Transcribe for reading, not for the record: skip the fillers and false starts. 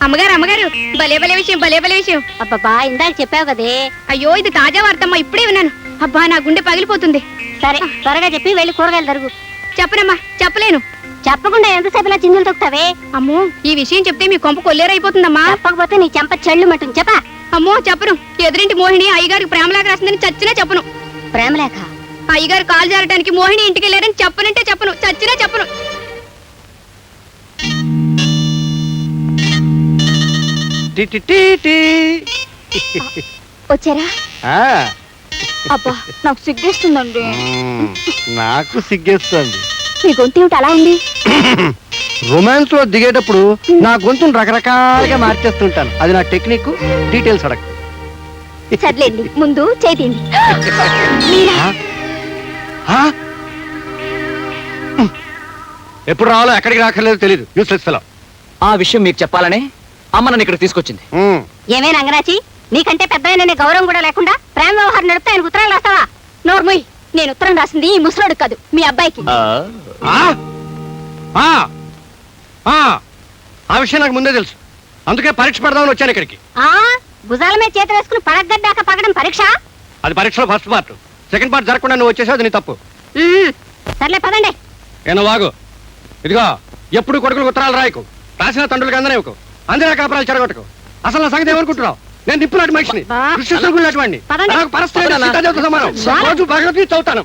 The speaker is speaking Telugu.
అమ్మగారు అమ్మగారు భలే భలే విషయం భలే భలే విషయం. అబ్బబ్బా ఇందాక చెప్పావు కదే. అయ్యో ఇది తాజా వార్తమ్మా, ఇప్పుడే విన్నాను. అబ్బా నా గుండె పగిలిపోతుంది. సరే త్వరగా చెప్పి వెళ్ళి కూరగాయలు తరుగు. చెప్పనమ్మా, చెప్పలేను. చెప్పకుండా ఎంతసేపు ఇలా చిందులు తొక్కుతావే? అమ్మో ఈ విషయం చెప్తే మీ కొంప కొల్లేరైపోతుందమ్మా. చెప్పకపోతే నీ చెంప చెళ్ళు మట్టుంది. చెప్పా. అమ్మో చెప్పను. ఎదురింటి మోహిని అయ్యగారికి ప్రేమలేఖ రాసిందని చచ్చినా చెప్పను. ప్రేమలేఖ? అయ్యగారు కాలు జారడానికి మోహిని ఇంటికి వెళ్ళారని చెప్పనంటే చెప్పను, చచ్చినా చెప్పను. వచ్చారా? అబ్బా నాకు సిగ్గేస్తుందండి. నాకు సిగ్గేస్తుంది. మీ గొంతు ఏమిటి అలా ఉంది? రొమాన్స్ లో దిగేటప్పుడు నా గొంతును రకరకాలుగా మార్చేస్తుంటాను. అది నా టెక్నిక్. డీటెయిల్స్ అడగ. చదిలేండి, ముందు చేతిండి. ఎప్పుడు రావాలో ఎక్కడికి రాకర్లేదు తెలీదు. Useless fellow. ఆ విషయం మీకు చెప్పాలనే అమ్మ నన్ను ఇక్కడ తీసుకొచ్చింది. ఏమే రంగనాచి, నీకంటే పెద్ద గౌరవం కూడా లేకుండా ప్రేమ వ్యవహారం నడిపితే ఆయనకు ఉత్తరాలు రాస్తావా? నోర్మోయ్, నేను ఉత్తరం రాసింది ఈ ముసలోడు కాదు, మీ అబ్బాయికి. ఆ విషయం నాకు ముందే తెలుసు. అందుకే పరీక్ష పెడదామని వచ్చాను ఇక్కడికి. భుజాల మీద చేతి వేసుకుని పడగడ్డాక పగడం పరీక్ష? అది పరీక్షలో ఫస్ట్ పార్ట్. సెకండ్ పార్ట్ జరగకుండా నువ్వు వచ్చేసావు, అది నీ తప్పు. సర్లే పదండి. ఏనో వాగు. ఇదిగో ఎప్పుడు కొడుకులకు ఉత్తరాలు రాయకు. రాసిన తండ్రులకు అందనేవకు. అందరూ కాపురాలు చెడగొట్టకు. అసలు నా సంగతి ఏమనుకుంటున్నావు? నేను నిప్పు నాటి మనిషిని, కృష్ణుడు లాంటి వాడిని. నాకు పరస్పరం సమానం. రోజు భగవద్గీత చదువుతాను.